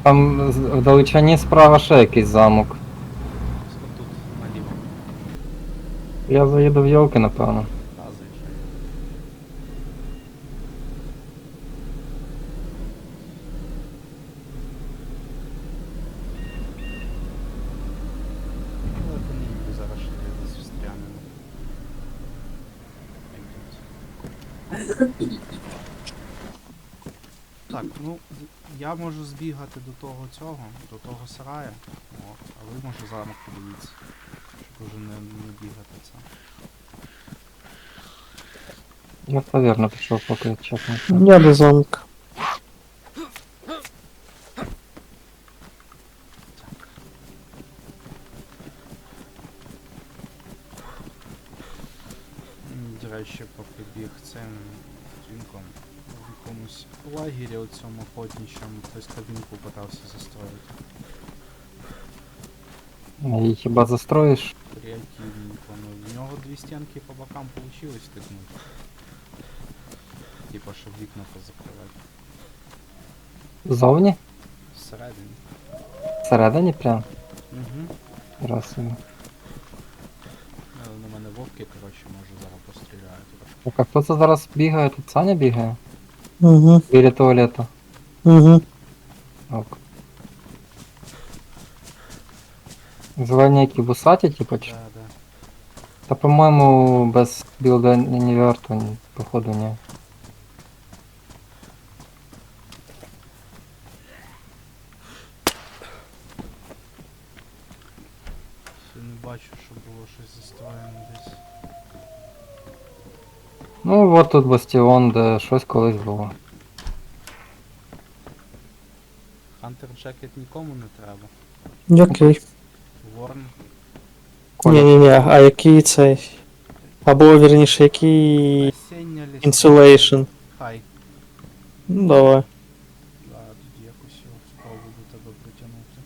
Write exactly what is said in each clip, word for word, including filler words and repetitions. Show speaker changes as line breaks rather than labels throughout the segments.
Там з- в далечині справа ще якийсь замок.
Ось тут, наліво.
Я заїду в Йолки, напевно.
Та, заїжджай. Ну, я по ній зараз ще десь встрянемо. Так, ну, з- я можу збігати до того цього, до того сарая, от, а ви може замок подивіться, щоб уже не, не бігати це.
Я повірно пішов, поки чесно.
Я до замка.
М, До речі, поки біг цим дзвінком в якомусь лагері у цьому охотничому хтось кабінку питався застроїти.
Її хіба застроїш?
Креативненько, ну в нього дві стінки по бокам получилось стикнути. Типа, щоб вікна позакривати.
Ззовні?
Всередині.
Всередині прям?
Угу.
Раз собі.
На мене вовки, коротше, може зараз постріляють.
Так, а хто це зараз бігає? Тут Саня бігає?
Угу.
Біля туалету.
Угу.
Ок. Зелені які вусаті, типу, чи?
Да, да.
Та по-моєму без білда не верту, ні, походу ні.
Ще не бачу, щоб було щось застроєно десь.
Ну от тут бастіон, де щось колись було.
Хантер Джекет нікому не треба.
Який?
Ворн.
Ні-ні-ні, а який цей? Або вірніше, який
Осіння ліс.
insulation?
Хай.
Ну давай.
Да, тоді якось його спробую до тебе притягнути.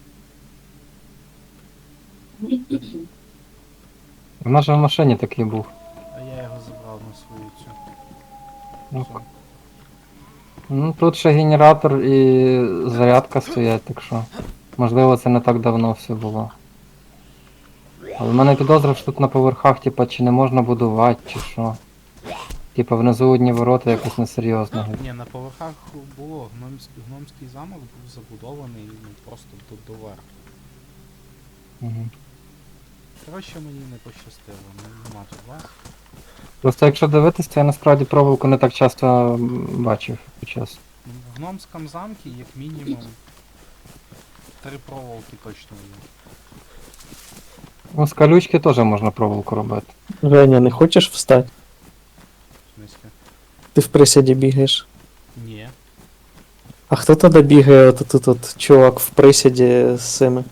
В нашій машині такий був.
А я його забрав на свою цю.
Ну,
Все.
Ну тут ще генератор і зарядка стоять, так що. Можливо це не так давно все було. Але в мене підозра, що тут на поверхах, типа, чи не можна будувати, чи що. Типа внизу одні ворота якось несерйозно.
Ні, на поверхах було гномський, гномський замок був забудований ну, просто до доверху.
Угу.
Коротше, мені не пощастило, ну, нема тут вас.
Просто якщо дивитись, то я насправді проволоку не так часто м, бачив під час.
Ну, в гномському замку як мінімум три проволоки точно є.
Ну, з колючки теж можна проволоку робити.
Женя, не хочеш встати?
В смислі?
Ти в присіді бігаєш.
Ні.
А хто тоді бігає от тут от чувак в присіді з цими?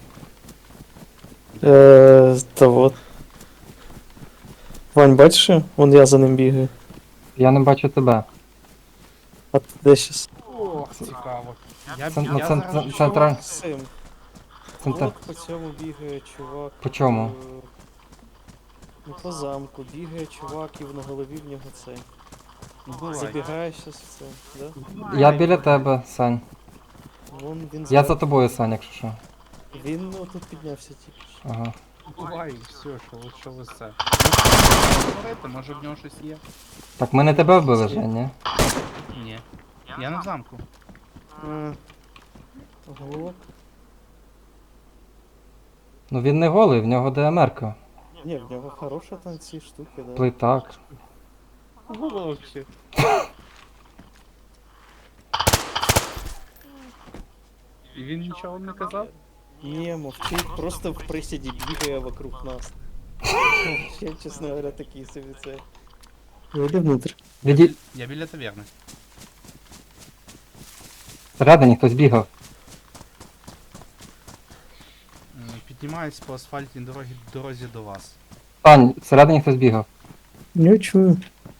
Е, та вот. Вань, бачиш? його? Вон я за ним бігаю.
Я не бачу тебе.
А ти де щас?
Ох, цікаво. Я,
Цен-
я
ну, цен-
зараз...
цен- центра-
З цим.
Центр...
От по цьому бігає чувак.
По чому?
е, Ну по замку бігає чувак і на голові в нього цей.
Ну, бувай.
Забігає щас в це, да?
Я біля тебе, Сань.
Вон він
Я
зверху.
за тобою, Сань, якщо що.
Він ну, тут піднявся тільки що.
Ага.
Бувай, все, що ви, що ви це. Говорите, може в нього щось є?
Так ми не тебе вбили, Жень, ні?
Ні. Я не в замку.
А, Голок?
Ну він не голий, в нього ДМР-ка.
Ні, в нього хороша там ці штуки, да.
Плитак.
Головчик. І він нічого не казав?
Ні, мовчить, просто в присіді бігає вокруг нас. Ще, чесно говоря, такий собі це. Вийди внутрь.
Віді...
Я біля таверни.
Всередині хтось бігав.
М, Піднімаюсь по асфальтній дорогі, дорозі до вас.
Сань, всередині хтось бігав.
Не чую.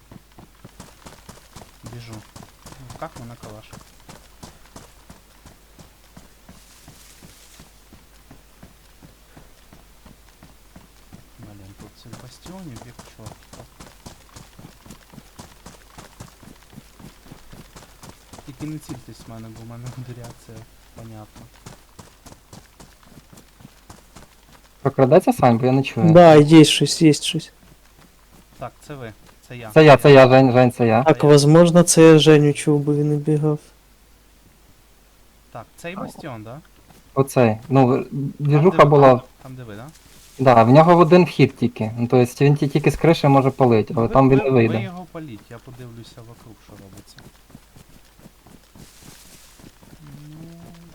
Біжу. В руках мене калаш. Блін, тут цих бастіонів як чорт. Тільки не цільтесь в мене, бо в мене буде реакція понятна.
Прокрадеться, Сань, бо я не чую.
Да, є щось, є щось.
Так, це ви. Це я.
Це я, це я, Жень, Жень, це я.
Так, возможно, це я Женю чув, бо він не бігав.
Так, цей бастіон, да?
Оцей. Ну,
Там,
двіжуха
де ви-
була.
Там де ви, да?
Да, в нього один вхід тільки. Ну, тобто він ті- тільки з криші може палити, але
ви,
там він
ви,
не
ви
вийде.
його паліть, я подивлюся вокруг, що робиться. Ну...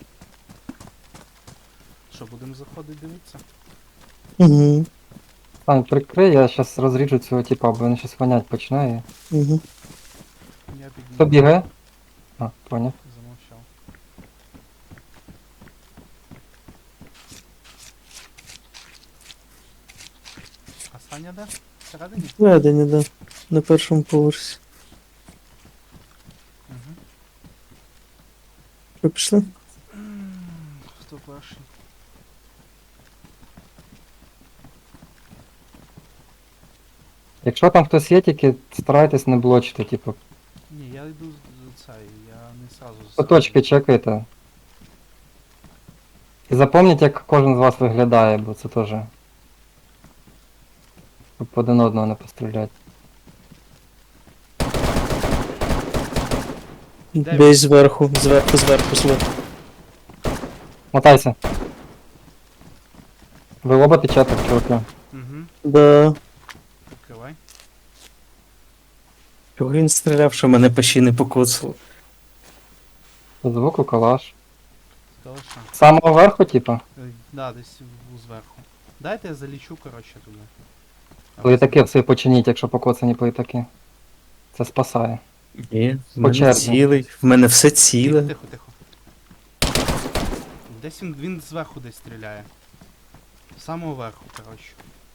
Що, будемо заходити дивитися?
Угу.
Сань, прикрий, я зараз розріжу цього типа, бо він щось вонять починає.
Угу.
Я підніму.
Хто бігає? А, поняв.
Замовчав. А Саня де? Всередині?
Ведення, да. На першому поверсі.
Угу.
Що, пішли?
Хто перший?
Якщо там хтось є, тільки старайтесь не блочити, типу.
Ні, я йду з з цей, я не сразу з
По точки чекайте. І запам'ятайте, як кожен з вас виглядає, бо це теж. Щоб один одного не постріляти.
Де
Десь зверху, зверху, зверху, зверху.
Мотайся. Ви оба течете, чуваки.
Угу.
Да.
Відкривай.
Чого він стріляв, що мене почти не покоцало?
По звуку калаш.
Точно.
З самого верху, типа.
Е, Да, десь в- зверху. Дайте я залічу, коротше, туди. А ви
Плитаки все починіть, якщо покоцані плитаки. Це спасає.
Ні, в
По
мене
черзі.
цілий. В мене все
Тихо,
ціле.
тихо, тихо. Десь він, він зверху десь стріляє. З самого верху, коротше.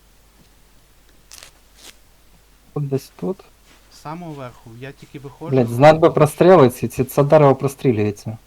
Тут десь тут.
З самого верху. Я тільки виходжу.
Блять, знать би простріли ці, ці це дерево прострілюється.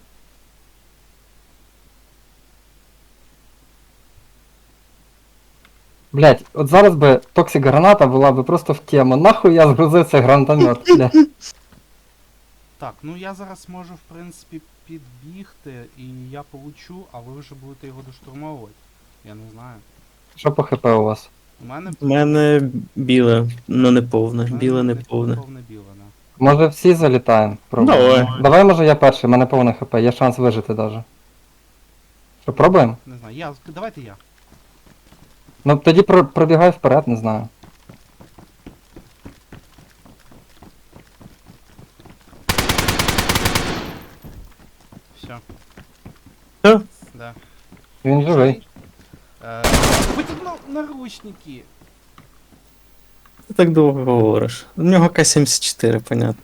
Блять, от зараз би токсик граната була би просто в тему. Нахуй я згрузив цей гранатомет, блядь.
Так, ну я зараз можу, в принципі, підбігти і я получу, а ви вже будете його доштурмовувати. Я не знаю.
Що по хп у вас?
У мене
У мене біле, ну не повне.
у мене
Біле не повне.
повне біле, да.
Може всі залітаємо? Пробуємо.
Давай.
Давай, може я перший, в мене повне хп, є шанс вижити даже. Що, пробуємо?
Не знаю. Я, давайте я.
Ну тоді про- пробігай вперед, не знаю.
Все.
Все?
Да.
Він живий.
Е, Витягнув наручники.
Ти так довго говориш. У нього К сімдесят чотири, понятно.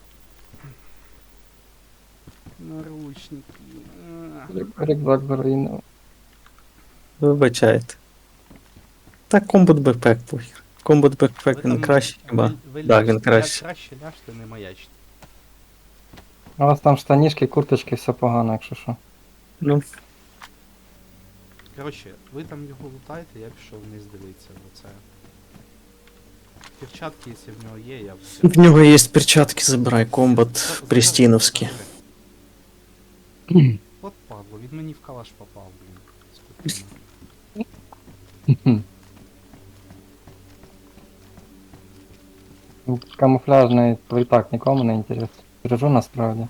Наручники. Е.
Рю- Рюкзак заруїнив.
Вибачайте. Так, комбат бекпек похер. Комбат
Ви
бекпек він
там-
кращий хіба?
ви- ви
Да, він
ляжте,
краще.
ля- Краще ляжте, не маячте.
У вас там штанішки, курточки, все погано, якщо що.
Ну,
Коротше, ви там його лутайте, я пішов вниз дивитися. Оце. Перчатки, якщо в нього є, я все.
в нього є перчатки, забирай, комбат прістіновський.
От падло, він мені в калаш попав, блін. Спокійно.
Камуфляжний плитак нікому не інтересно. Бережу насправді.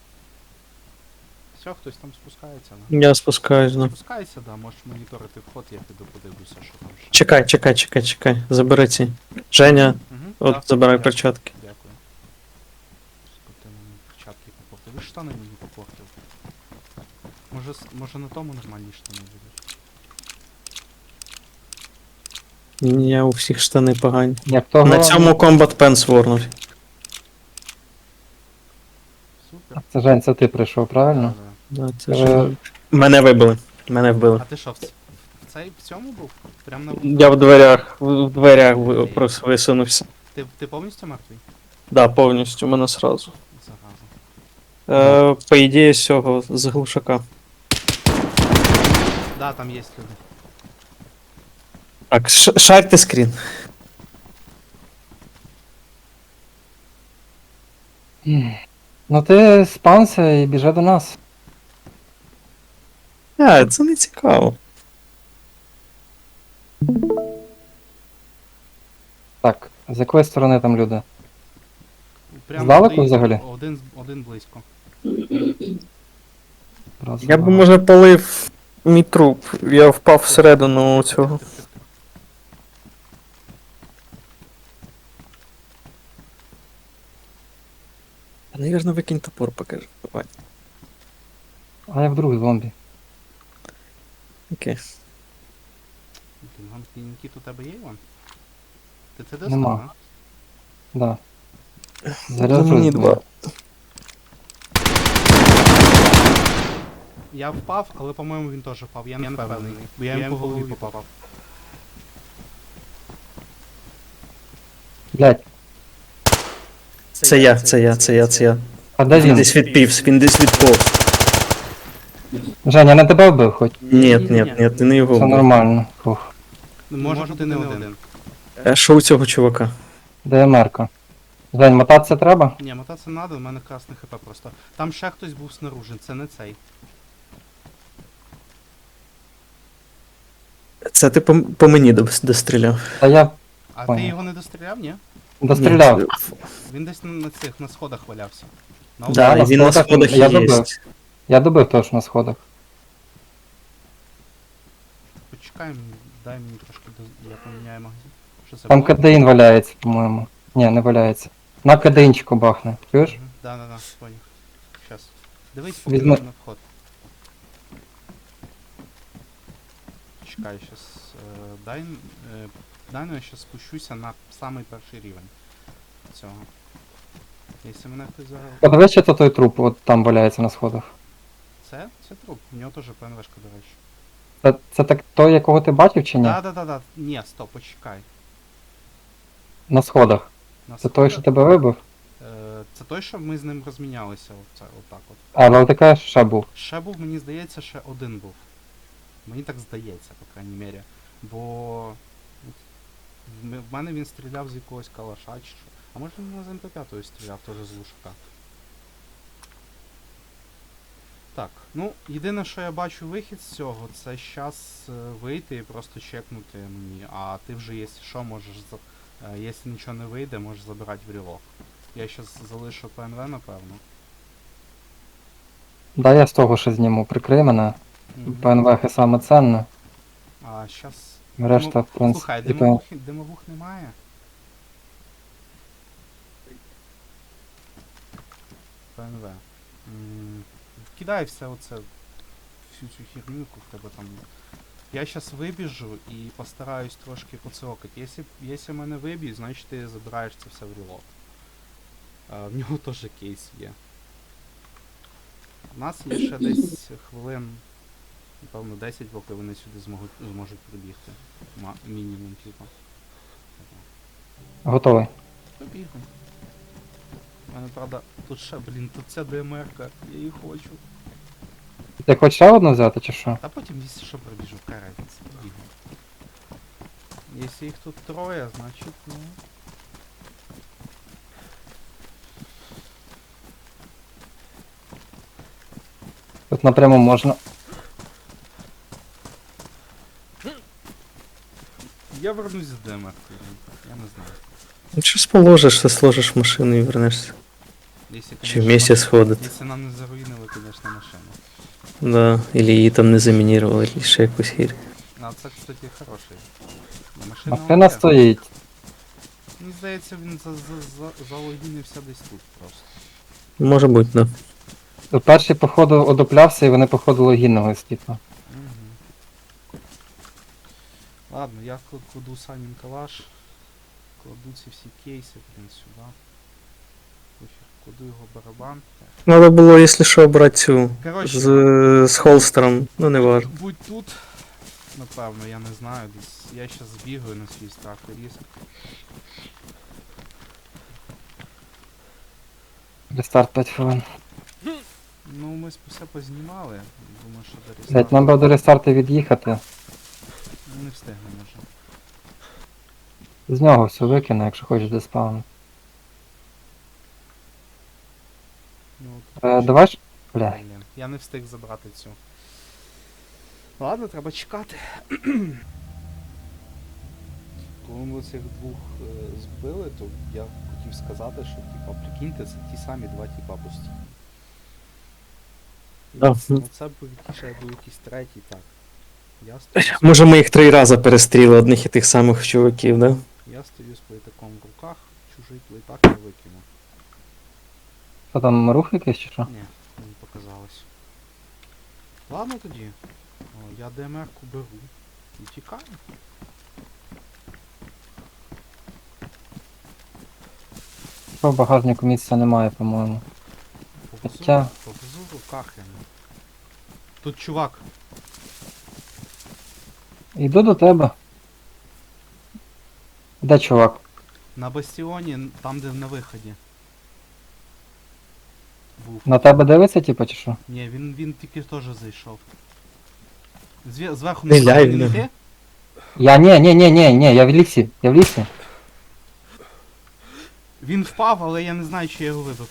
Все, хтось там спускається, да?
Я спускаюсь, ну.
Спускайся, да, можеш моніторити вход, я піду подивлюся, що там ще.
Чекай, чекай, чекай, чекай. Забери ці. Женя,
Угу,
от забирай перчатки.
Дякую. Скотина мені перчатки попортив. Ви штани мені попортив. Може, с- може на тому нормальні штани будуть?
Ні, у всіх штани погані.
Як того...
На цьому комбат пенс ворнуть.
Супер.
Це Жень, це ти прийшов, правильно?
Да,
Да, це
Е,
ж... Мене вибили. Мене
да.
вбили.
А ти що, в, ц- в цей в цьому був? Прям на
Я в дверях, в дверях ви- просто висунувся.
Ти, ти повністю мертвий?
Да, повністю, мене сразу.
Зараза.
Е, по ідеї, з цього, з глушака.
Да, там є люди.
Так, ш- шарте скрін.
Ну ти спанся і біжи до нас.
А, це не цікаво.
Так, з якої сторони там люди?
Прямо
Здалеку
стоїть,
взагалі?
Один, один близько.
Раз,
Я б
два.
може полив мій труп. Я впав всередину цього.
Тих-тих-тих-тих.
Навірно, викинь топор, покажи. Давай.
А я вдруг зомбі.
Окей.
Блін, Нікіт, у тебе є Іван? Ти це
Нема.
достав,
Да.
Ну,
Заряджусь.
мені
блін.
два.
Я впав, але по-моєму він теж впав. Я не впевнений. Бо я йому по голові попав.
Блять,
Це я, це я, це я, це я.
а де
Він
він?
десь відпівс, він десь відповз.
Женя, не тебе вбив хоч?
Ні, ні, ні, ти не його
Все
вбив.
нормально. Фух.
Ну, може бути не один.
А що у цього чувака?
ДМР-ка. Жень, мотатися треба?
Ні, мотатися не треба, у мене красний хп просто. Там ще хтось був снаружи, це не цей.
Це ти по, по мені дос- достріляв.
Та я
А
Понял.
ти його не достріляв, ні?
достріляв.
Ні,
Він десь на, на цих, на сходах валявся. На
Да,
на
і він на
сходах
сходах
я
є.
добив. Я добив теж на сходах.
Почекай, мені, дай мені трошки до... я поміняю магазин. Що це
Там
було?
кадеїн валяється, по-моєму. Ні, не валяється. На кадеїнчику бахне. Чуєш?
Мгм. Да, да, да, понял. Щас. Дивись, поки
Візьми-
на вход. Чекай, щас. Е, дай, е, дай, ну я щас спущуся на самий перший рівень цього. Якщо мене хтось зараз...
Подивись, чи то той труп от там валяється на сходах.
Це? Це труп. У нього теж ПНВшка, до речі.
Це, це так той, якого ти бачив чи ні?
Да, да, да, да. Ні, стоп, почекай.
На сходах.
На
Це той, що
сходах-
тебе вибив?
Е, це той, що ми з ним розмінялися, оце, отак от.
А, але ти кажеш, ще був.
Ще був, мені здається, ще один був. Мені так здається, по крайній мірі. Бо от в м- в мене він стріляв з якогось калаша чи що. А може він з ем пе п'ять стріляв теж з лушака. Так, ну, єдине, що я бачу вихід з цього, це щас е, вийти і просто чекнути мені. А ти вже, якщо що, можеш за... е, якщо нічого не вийде, можеш забирати в рілок. Я щас залишу ПНВ, напевно.
Да, я з того ще зніму. Прикрий мене.
Мгм.
ПНВХ саме ценне.
А щас.
Решта, в принципі,
Слухай,
типу-
димовух, димовух немає. ПНВ. М, Кидай все оце, всю цю херню, яку в тебе там. Я щас вибіжу і постараюсь трошки поцокати. Якщо, якщо мене виб'ють, значить ти забираєш це все в рілок. А, в нього теж кейс є. У нас є ще десь хвилин, напевно, десять, поки вони сюди зможуть, зможуть прибігти. Ма- мінімум, типу.
Готовий.
Побігли. У мене, правда, тут ще, блін, тут ця ДМР-ка, я її хочу.
Ти хочеш ще одну взяти чи що?
Та потім, якщо що, пробіжу, яка разниця, побігли. Якщо їх тут троє, значить, ну...
Тут напряму можна.
Я вернусь з ДМР-кою, я не знаю.
Ну щось положиш, все сложиш в машину і вернешся.
Якщо,
Чи
конечно,
вместе
нам-
сходити.
Якщо нам не заруїнили, звісно, машину.
Да, или її там не замінірували, чи ще якусь хір.
А це, кстати, хороший. Ну, машина
Машина
окей.
стоїть.
Мені здається, він за, за, за, залогінився десь тут просто.
Може бути, да.
Перший, походу, одуплявся і вони, походу, логінного типу.
Угу. Ладно, я кл- кладу Санін калаш, кладу ці всі кейси, блін, сюди. Пофіг, кладу його барабан.
Надо було, якщо що, брати цю
Коротше,
з, з холстером, ну не важно.
будь тут, напевно, я не знаю, десь я щас збігаю на свій страх і ризик.
Рестарт п'ять хвилин.
Ну, ми с- все познімали, думаю, що до
Блять,
рестарту
нам би до рестарту від'їхати.
не встигнемо вже.
З нього все викину, якщо хочеш деспаун.
Ну,
Е, давай ж. Бля.
Блін, я не встиг забрати цю. Ладно, треба чекати. коли ми цих двох е, збили, то я хотів сказати, що типа, прикиньте, це ті самі два типа постійно.
Да.
Ну це був ще був якийсь третій, так. Я стою, з-
Може ми їх три рази перестріли одних і тих самих чуваків, да?
я стою з плейтаком в руках, чужий плейтак я викинув.
Що там, рух якийсь чи що?
Ні, мені показалось. Ладно тоді. О, я ДМР-ку беру і тікаю.
Що в багажнику місця немає, по-моєму.
Повезу,
Хоча-
повезу в руках я. Тут чувак.
Йду до тебе. Де чувак?
На бастіоні, н- там де на виході. Був.
На тебе дивиться, типу, чи що?
Ні, він, він тільки теж зайшов. Зве- зверху
Не ляй
не
в нього.
йти?
Я ні, ні, ні, ні, ні, я в лісі, я в лісі.
Він впав, але я не знаю, чи я його вибив.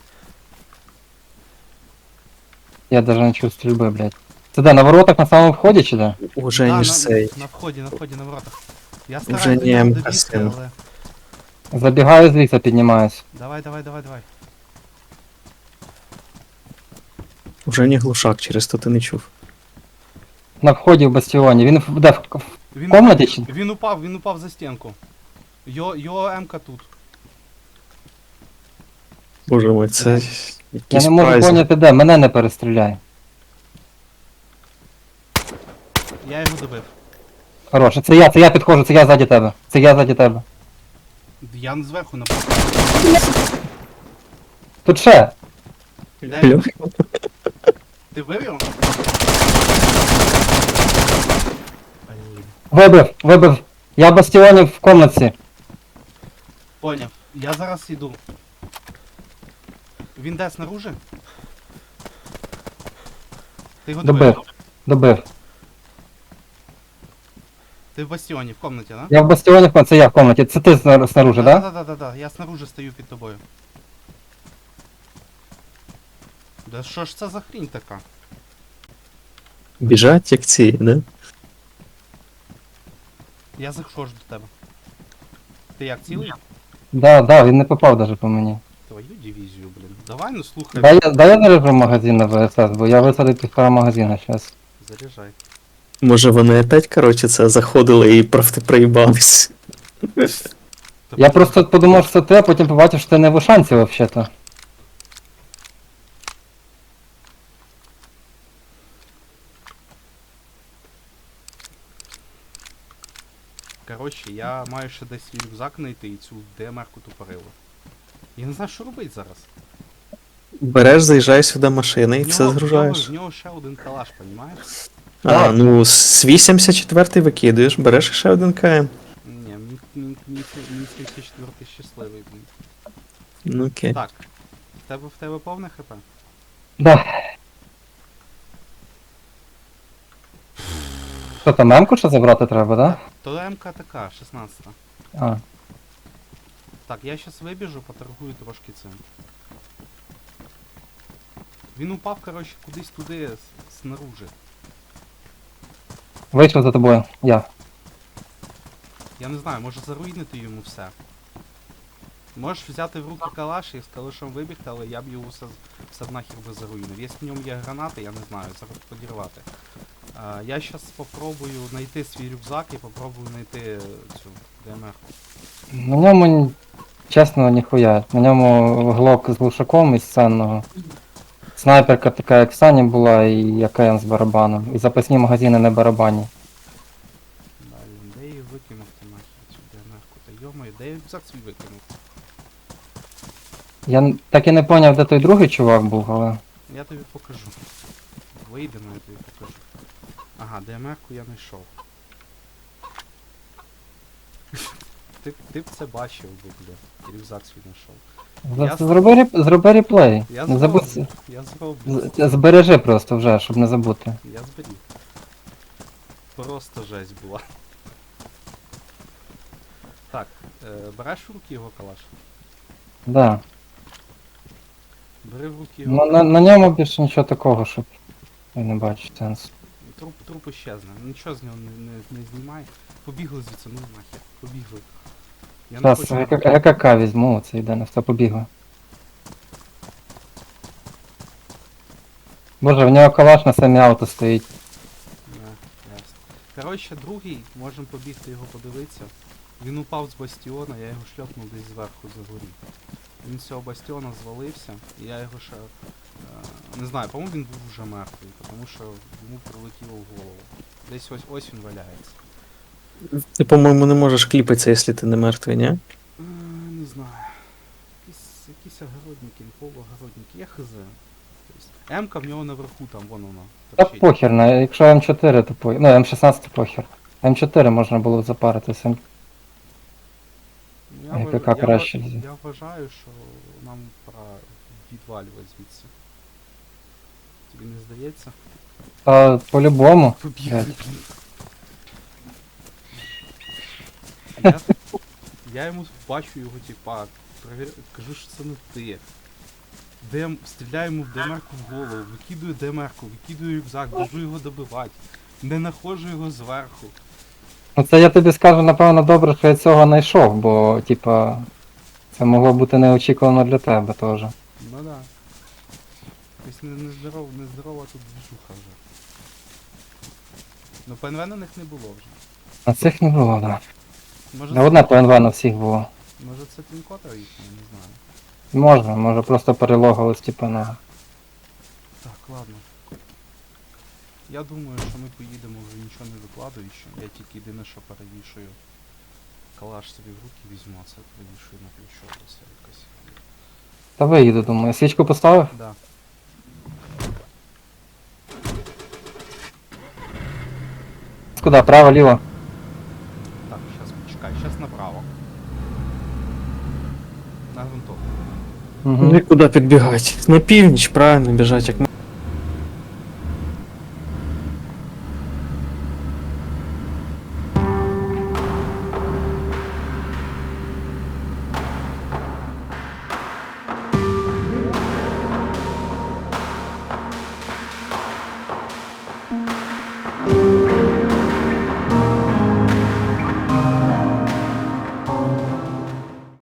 Я даже не чую стрільби, блядь. Це де, на воротах на самому вході чи де?
Уже
Да,
ніж
на,
цей.
на вході, на вході, на воротах. Я
Вже
стараюсь до
ні,
нього
МК
добігти,
син.
але...
Забігаю з ліса, піднімаюсь.
Давай, давай, давай, давай.
Уже не глушак, через то ти не чув.
На вході в бастіоні. Він в- де в, в
Він,
комнаті чи?
він упав, він упав за стінку. Його, його М-ка тут.
Боже мой, це
Я
якийсь
не можу
прайс.
поняти де, мене не перестріляй.
Я його добив.
Хороше, це я, це я підходжу, це я ззаді тебе. Це я ззаді тебе.
Я не зверху напав.
Тут ще.
Де він?
Алло?
Ти вбив його? Блін.
Вибив, вибив. Я в бастіоні в комнатці.
Поняв. Я зараз йду. Він де снаружи? Ти його добив?
Добив. Добив.
Ти в бастіоні, в комнаті, да?
Я в бастіоні, в комнаті, це я в комнаті. Це ти снар- снаружи,
Да,
да?
да, да, да, да. Я снаружи стою під тобою. Да що ж це за хрінь така?
Біжать як ці, да?
Я заходжу до тебе. Ти як цілий?
Да, да, він не попав даже по мені.
Твою дивізію, блін. Давай, ну слухай.
Дай, я- дай я заряджу магазин на ВСС, бо я висадив півтора магазина зараз.
Заряджай.
Може вони опять, коротше, це заходили і просто проїбались.
Я просто подумав, що це ти, а потім побачив, що ти не в Ушанці взагалі-то.
Коротше, я маю ще десь свій рюкзак знайти і цю ДМР-ку тупорилу. Я не знаю, що робити зараз.
Береш, заїжджаєш сюди машини і
В
все
нього- в нього-
згружаєш.
В нього ще один калаш, понімаєш?
А, ну з вісімдесят четвертий викидуєш, береш ще один КМ.
Ні, мій, мій, мій, мій сімдесят четвертий щасливий, блін.
Ну окей.
Так. В тебе в тебе повне хп?
Да. Що там, мемку ще забрати треба, да?
То МК така, шістнадцята.
А.
Так, я щас вибіжу, поторгую трошки цим. Він упав, коротше, кудись туди, с- снаружи.
Вийшов за тобою. Я.
Я не знаю, може заруйнити йому все. Можеш взяти в руки калаш і з калашом вибігти, але я б його все, все нахер би заруйнив. Якщо в ньому є гранати, я не знаю, зараз подірвати. А, я зараз спробую знайти свій рюкзак і попробую знайти е, цю ДМР.
На ньому, чесно, ніхуя. На ньому глок з глушаком із ценного. Снайперка така, як в Сані була, і АКМ з барабаном. І запасні магазини на барабані.
Далі, де її викинув ти нахер цю ДМР-ку? Та йомаю, де я рюкзак свій викинув?
Я н- так і не поняв, де той другий чувак був, але.
Я тобі покажу. Вийдемо, я тобі покажу. Ага, ДМР-ку я знайшов. Ти, б- ти б це бачив би, бля. Рюкзак свій знайшов.
За-
Я-
Зроби, реп- зроби реплей.
Я
Не
зроблю.
забудь.
Я зроблю.
з- Збережи просто вже, щоб не забути.
Я зберіг. Просто жесть була. Так, е, береш в руки його калаш?
Да.
Бери в руки його
Ну, на, на ньому більше нічого такого, щоб я не бачу сенсу.
труп, труп іщезне. Нічого з нього не, не, не знімай. Побігли звідси, ну нахер. Побігли. Я не
Зараз
хочу.
ЕКК візьму, оце йде, на все побігли. Боже, в нього калаш на самі авто стоїть.
Не, ясно. Коротше, другий, можемо побігти його подивитися. Він упав з бастіона, я його шльопнув десь зверху за горі. Він з цього бастіона звалився, і я його ще. Е, не знаю, по-моєму він був вже мертвий, тому що йому прилетіло в голову. Десь ось ось він валяється.
Ти, по-моєму, не можеш кліпатися, якщо ти не мертвий, ні?
Е, не знаю. Якісь, якісь огородники, полуогородники, я хз. Тобто, М-ка в нього наверху, там, вон вона.
Та
торчить.
похер, на- якщо М чотири, то похер. Ну, М шістнадцять похер. М чотири можна було б запаритися.
Ну,
А
Я,
яка
вваж- я,
краще
ва-
взяти?
я вважаю, що нам пора відвалювати звідси. Тобі не здається?
Та по-любому.
Побігли,
Блядь.
блін. Я, я йому бачу його типа, провір... кажу, що це не ти. Дем... Стріляю йому в ДМР-ку в голову, викидую ДМР-ку, викидую рюкзак, біжу його добивати. Не находжу його зверху.
Ну це я тобі скажу, напевно, добре, що я цього знайшов, бо, типа, це могло бути неочікувано для тебе теж.
Ну да. Тобто не- нездорова, нездорова тут движуха вже. Ну ПНВ на них не було вже.
На цих не було, да.
Може
Не
це,
одне ПНВ на всіх було.
може це тінкотер їхній, не знаю.
Можна, може просто перелогались, типа, на.
Так, ладно. Я думаю, що ми поїдемо вже нічого не викладаючи. Я тільки єдине, що перевішую. Калаш собі в руки візьму, а це перевішую на плечо. Це якось.
Та виїду, думаю. Свічку поставив?
Да.
Куди? Право, ліво?
Так, зараз почекай, зараз направо. На грунтовку.
Угу.
Ну і куди підбігати? На північ, правильно, біжать, як ми.